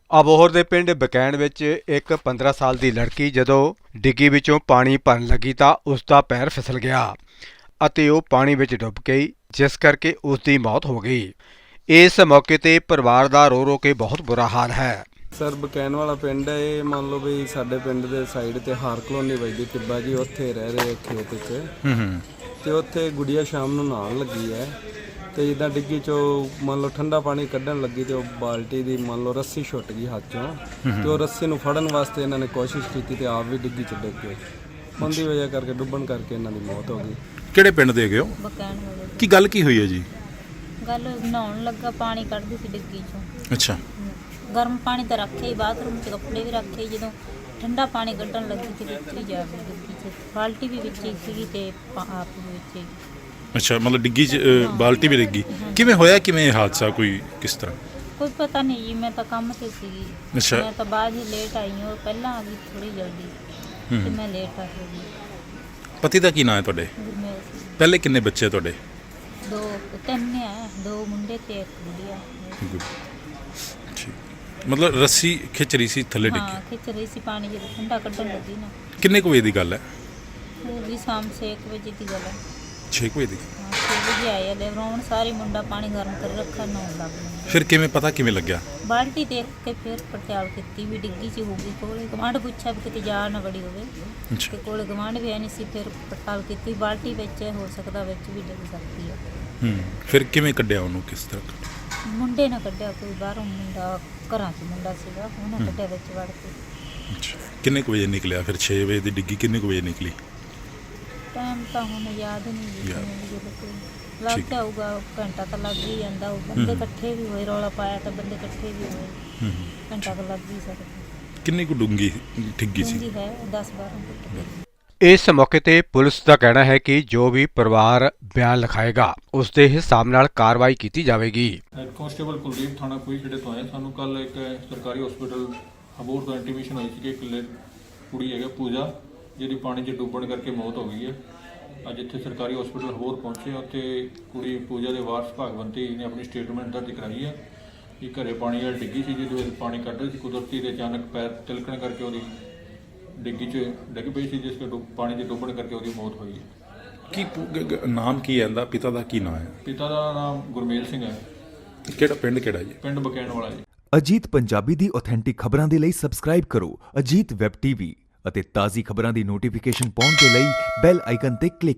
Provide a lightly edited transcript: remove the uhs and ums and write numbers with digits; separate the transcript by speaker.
Speaker 1: ਅਬੋਹਰ ਦੇ ਪਿੰਡ ਬਕੈਣ ਵਿੱਚ ਇੱਕ 15 ਸਾਲ ਦੀ ਲੜਕੀ ਜਦੋਂ ਡਿੱਗੀ ਵਿੱਚੋਂ ਪਾਣੀ ਭਰਨ ਲੱਗੀ ਤਾਂ ਉਸ ਦਾ ਪੈਰ ਫਿਸਲ ਗਿਆ ਅਤੇ ਉਹ ਪਾਣੀ ਵਿੱਚ ਡੁੱਬ ਗਈ, ਜਿਸ ਕਰਕੇ ਉਸ ਦੀ ਮੌਤ ਹੋ ਗਈ। ਇਸ ਮੌਕੇ ਤੇ ਪਰਿਵਾਰ ਦਾ ਰੋ ਰੋ ਕੇ ਬਹੁਤ ਬੁਰਾ ਹਾਲ ਹੈ।
Speaker 2: ਸਰ ਬਕੈਨ ਵਾਲਾ ਪਿੰਡ ਹੈ ਇਹ। ਮੰਨ ਲਓ ਵੀ ਸਾਡੇ ਪਿੰਡ ਦੇ ਸਾਈਡ ਤੇ ਹਾਰ ਕਲੋਨੀ ਵੱਜਦੀ ਟਿੱਬਾ ਜੀ, ਉੱਥੇ ਰਹਿ ਰਹੇ ਖੇਤ 'ਚ ਤੇ ਉੱਥੇ ਗੁੜੀਆ ਸ਼ਾਮ ਨੂੰ ਨਹਾਉਣ ਲੱਗੀ ਹੈ ਤੇ ਜਿੱਦਾਂ ਡਿੱਗੀ ਚੋਂ ਮੰਨ ਲਓ ਠੰਡਾ ਪਾਣੀ ਕੱਢਣ ਲੱਗੀ ਤੇ ਉਹ ਬਾਲਟੀ ਦੀ ਮੰਨ ਲਓ ਰੱਸੀ ਛੁੱਟ ਗਈ ਹੱਥ ਚੋਂ ਤੇ ਉਹ ਰੱਸੀ ਨੂੰ ਫੜਨ ਵਾਸਤੇ ਇਹਨਾਂ ਨੇ ਕੋਸ਼ਿਸ਼ ਕੀਤੀ ਤੇ ਆਪ ਵੀ ਡਿੱਗੀ 'ਚ ਡਿੱਗ ਗਏ। ਉਹਦੀ ਵਜ੍ਹਾ ਕਰਕੇ ਡੁੱਬਣ ਕਰਕੇ ਇਹਨਾਂ ਦੀ ਮੌਤ ਹੋ ਗਈ।
Speaker 3: ਕਿਹੜੇ ਪਿੰਡ ਦੇ ਗਏ ਹੋ?
Speaker 4: ਬਕੈਣ ਵਾਲੇ
Speaker 3: ਕੀ ਗੱਲ ਕੀ ਹੋਈ ਹੈ ਜੀ?
Speaker 4: ਗੱਲ ਨਹਾਉਣ ਲੱਗਾ, ਪਾਣੀ ਕੱਢਦੀ ਸੀ ਡਿੱਗੀ ਚੋਂ।
Speaker 3: ਅੱਛਾ।
Speaker 4: ਗਰਮ ਪਾਣੀ ਤਾਂ ਰੱਖਿਆ ਹੀ, ਬਾਥਰੂਮ 'ਚ ਕੱਪੜੇ ਵੀ ਰੱਖੇ, ਜਦੋਂ ਠੰਡਾ ਪਾਣੀ ਕੱਢਣ ਲੱਗੀ ਤੇ ਵਿੱਚ ਹੀ ਜਾ ਵੜੀ ਡਿੱਗੀ 'ਚ। ਬਾਲਟੀ ਵੀ ਵਿੱਚ ਹੀ ਸੀਗੀ ਤੇ ਆਪ ਵੀ ਵਿੱਚ ਹੀ।
Speaker 3: ਅੱਛਾ, ਮਤਲਬ ਡਿੱਗੀ 'ਚ ਬਾਲਟੀ ਵੀ ਡਿੱਗੀ। ਕਿਵੇਂ ਹੋਇਆ, ਕਿਵੇਂ ਇਹ ਹਾਦਸਾ, ਕੋਈ ਕਿਸ ਤਰ੍ਹਾਂ?
Speaker 4: ਕੋਈ ਪਤਾ ਨਹੀਂ ਜੀ, ਮੈਂ ਤਾਂ ਕੰਮ ਤੇ ਸੀਗੀ।
Speaker 3: ਅੱਛਾ।
Speaker 4: ਮੈਂ ਤਾਂ ਬਾਅਦ ਹੀ ਲੇਟ ਆਈ ਹਾਂ, ਉਹ ਪਹਿਲਾਂ ਆ ਗਈ ਥੋੜੀ ਜਲਦੀ ਤੇ ਮੈਂ ਲੇਟ ਆ ਗਈ।
Speaker 3: ਪਤੀ ਦਾ ਕੀ ਨਾਂ ਹੈ ਤੁਹਾਡੇ?
Speaker 4: ਗੁਰਮੇਲ ਸਿੰਘ।
Speaker 3: ਪਹਿਲੇ ਕਿੰਨੇ ਬੱਚੇ ਤੁਹਾਡੇ?
Speaker 4: ਤਿੰਨ ਆ, 2 ਮੁੰਡੇ ਤੇ 1 ਗੁੜੀਆ।
Speaker 3: ਠੀਕ। ਮਤਲਬ ਰੱਸੀ ਖਿੱਚ ਰਹੀ ਸੀ, ਥੱਲੇ ਡਿੱਗੀ?
Speaker 4: ਹਾਂ, ਖਿੱਚ ਰਹੀ ਸੀ ਪਾਣੀ, ਜਦੋਂ ਠੰਡਾ ਕੱਢਣ ਲੱਗੀ ਨਾ।
Speaker 3: ਕਿੰਨੇ ਕੁ ਵਜੇ ਦੀ ਗੱਲ ਹੈ?
Speaker 4: ਉਹ ਵੀ ਸ਼ਾਮ 6 ਵਜੇ ਦੀ ਗੱਲ ਹੈ।
Speaker 3: 6 ਵਜੇ ਦੀ।
Speaker 4: ਹਾਂ, 6 ਵਜੇ ਆਏ ਲੈ ਰੌਣ ਸਾਰੀ ਮੁੰਡਾ ਪਾਣੀ ਗਰਮ ਕਰ ਰੱਖਾ, ਨਹਾਉਣ ਲੱਗ ਪਿਆ।
Speaker 3: ਫਿਰ ਕਿਵੇਂ ਪਤਾ ਕਿਵੇਂ ਲੱਗਿਆ?
Speaker 4: ਬਾਲਟੀ ਦੇਖ ਕੇ ਫਿਰ ਪੜਤਾਲ ਕੀਤੀ ਵੀ ਡਿੱਗੀ 'ਚ ਹੋਊਗੀ। ਕੋਲੇ ਗਵਾਂਢ ਪੁੱਛਿਆ ਵੀ ਕਿਤੇ ਜਾ ਨਾ ਵੜੀ ਹੋਵੇ
Speaker 3: ਅੱਛਾ।
Speaker 4: ਤੇ ਕੋਲੇ ਗਵਾਂਢ ਵੀ ਹੈ ਨਹੀਂ ਸੀ। ਫਿਰ ਪੜਤਾਲ ਕੀਤੀ, ਬਾਲਟੀ ਵਿੱਚ ਹੋ ਸਕਦਾ ਵਿੱਚ ਵੀ ਡਿੱਗ ਸਕਦੀ ਹੈ।
Speaker 3: ਫਿਰ ਕਿਵੇਂ ਕੱਢਿਆ ਉਹਨੂੰ, ਕਿਸ ਤਰ੍ਹਾਂ?
Speaker 4: ਮੁੰਡੇ ਨੇ ਕੱਢਿਆ, ਕੋਈ ਬਾਹਰੋਂ ਮੁੰਡਾ, ਘਰਾਂ 'ਚ ਮੁੰਡਾ ਸੀਗਾ, ਉਹਨੇ ਕੱਢਿਆ ਵਿੱਚ ਵੜ ਕੇ।
Speaker 3: ਅੱਛਾ। ਕਿੰਨੇ ਕੁ ਵਜੇ ਨਿਕਲਿਆ ਫਿਰ? 6 ਵਜੇ ਦੀ ਡਿੱਗੀ, ਕਿੰਨੇ ਕੁ ਵਜੇ ਨਿਕਲੀ?
Speaker 4: ਟਾਈਮ ਤਾਂ ਹੁਣ ਯਾਦ ਨਹੀਂ ਜੀ, ਲੱਗ
Speaker 3: ਠੀਕ।
Speaker 4: ਜਾਊਗਾ ਘੰਟਾ ਤਾਂ ਲੱਗ ਹੀ ਜਾਂਦਾ। ਉਹ ਬੰਦੇ ਇਕੱਠੇ ਵੀ ਹੋਏ, ਰੌਲਾ ਪਾਇਆ ਤਾਂ ਬੰਦੇ ਇਕੱਠੇ ਵੀ ਹੋਏ, ਘੰਟਾ ਤਾਂ ਲੱਗ ਹੀ ਸਕਦਾ।
Speaker 3: ਕਿੰਨੀ ਕੁ ਡੂੰਗੀ ਡਿੱਗੀ ਸੀ?
Speaker 4: ਡੂੰਘੀ ਹੈ 10-12 ਫੁੱਟ।
Speaker 1: ਇਸ ਮੌਕੇ ਤੇ ਪੁਲਿਸ ਦਾ ਕਹਿਣਾ ਹੈ ਕਿ ਜੋ ਵੀ ਪਰਿਵਾਰ ਬਿਆਨ ਲਿਖਾਏਗਾ ਉਸ ਦੇ ਹਿਸਾਬ ਨਾਲ ਕਾਰਵਾਈ ਕੀਤੀ ਜਾਵੇਗੀ।
Speaker 5: ਕਾਂਸਟੇਬਲ ਕੁਲਦੀਪ ਥਾਣਾ ਖੁਈਖੇੜੇ ਤੋਂ ਆਏ। ਸਾਨੂੰ ਕੱਲ ਇੱਕ ਸਰਕਾਰੀ ਹਸਪੀਟਲ ਅਬੋਹਰ ਤੋਂ ਇੰਟੀਮੇਸ਼ਨ ਹੋਈ ਸੀ ਕਿ ਇੱਕ ਕੁੜੀ ਹੈਗਾ ਪੂਜਾ, ਜਿਹਦੀ ਪਾਣੀ 'ਚ ਡੁੱਬਣ ਕਰਕੇ ਮੌਤ ਹੋ ਗਈ ਹੈ। ਅੱਜ ਇੱਥੇ ਸਰਕਾਰੀ ਹਸਪੀਟਲ ਅਬੋਹਰ ਪਹੁੰਚੇ, ਉੱਥੇ ਕੁੜੀ ਪੂਜਾ ਦੇ ਵਾਰਸ ਭਾਗਵੰਤੀ ਨੇ ਆਪਣੀ ਸਟੇਟਮੈਂਟ ਦਰਜ ਕਰਾਈ ਹੈ ਕਿ ਘਰੇ ਪਾਣੀ ਵਾਲੀ ਡਿੱਗੀ ਸੀ, ਜਿਹਦੇ ਵਿੱਚ ਪਾਣੀ ਕੱਢ ਰਹੀ ਸੀ ਕੁਦਰਤੀ ਦੇ ਅਚਾਨਕ ਪੈਰ ਤਿਲਕਣ ਕਰਕੇ ਉਹਦੀ ਡਿੱਗੀ 'ਚ ਡਿੱਗ ਪਈ ਸੀ, ਜਿਸ ਕਰਕੇ ਪਾਣੀ 'ਚ ਡੁੱਬਣ ਕਰਕੇ ਉਹਦੀ ਮੌਤ ਹੋਈ ਹੈ।
Speaker 3: ਕੀ ਨਾਮ ਕੀ ਹੈ ਇਹਦਾ? ਪਿਤਾ ਦਾ ਕੀ ਨਾਮ ਹੈ?
Speaker 5: ਪਿਤਾ ਦਾ ਨਾਮ ਗੁਰਮੇਲ ਸਿੰਘ ਹੈ।
Speaker 3: ਕਿਹੜਾ ਪਿੰਡ, ਕਿਹੜਾ ਜੀ?
Speaker 5: ਪਿੰਡ ਬਕੈਣ ਵਾਲਾ ਜੀ।
Speaker 6: ਅਜੀਤ ਪੰਜਾਬੀ ਦੀ ਆਥੈਂਟਿਕ ਖਬਰਾਂ ਦੇ ਲਈ ਸਬਸਕ੍ਰਾਈਬ ਕਰੋ ਅਜੀਤ ਵੈਬ ਟੀਵੀ ਅਤੇ ਤਾਜ਼ੀ ਖਬਰਾਂ ਦੀ ਨੋਟੀਫਿਕੇਸ਼ਨ ਪਾਉਣ ਦੇ ਲਈ ਬੈਲ ਆਈਕਨ ਤੇ ਕਲਿੱਕ